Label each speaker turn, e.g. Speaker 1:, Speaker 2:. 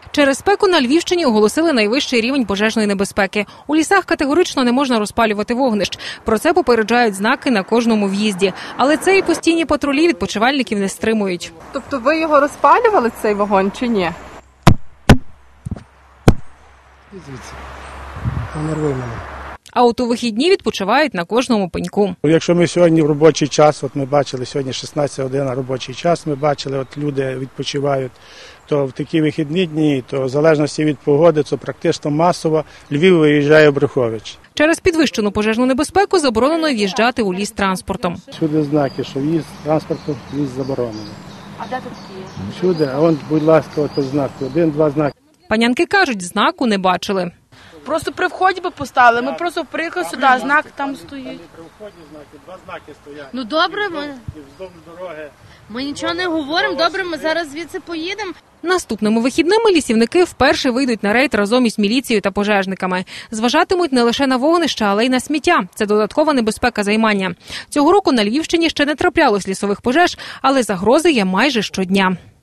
Speaker 1: Через спеку на Львівщині оголосили найвищий рівень пожежної небезпеки. У лісах категорично не можна розпалювати вогнищ. Про це попереджають знаки на кожному в'їзді. Але це і постійні патрулі відпочивальників не стримують.
Speaker 2: Тобто ви його розпалювали, цей вогонь, чи ні?
Speaker 3: Звідси. Нервуй мене.
Speaker 1: А от у вихідні відпочивають на кожному пеньку.
Speaker 3: Якщо ми сьогодні в робочий час, от ми бачили, сьогодні 16 година робочий час, ми бачили, от люди відпочивають, то в такі вихідні дні, то в залежності від погоди, це практично масово Львів виїжджає в Брюхович.
Speaker 1: Через підвищену пожежну небезпеку заборонено в'їжджати у ліс транспортом.
Speaker 3: Всюди знаки, що в'їзд транспорту, в'їзд заборонений.
Speaker 2: А де тут є?
Speaker 3: Всюди, а вон, будь ласка, ото знак, 1-2 знаки.
Speaker 1: Панянки кажуть, знаку не бачили.
Speaker 4: Просто при вході би поставили, ми просто приїхали сюди, знак там стоїть.
Speaker 3: При вході знаки, 2 знаки стоять.
Speaker 5: Ну добре,
Speaker 3: І вздовж дороги.
Speaker 5: ми нічого не говоримо, добре, ми зараз звідси поїдемо.
Speaker 1: Наступними вихідними лісівники вперше вийдуть на рейд разом із міліцією та пожежниками. Зважатимуть не лише на вогнища, але й на сміття. Це додаткова небезпека займання. Цього року на Львівщині ще не траплялось лісових пожеж, але загрози є майже щодня.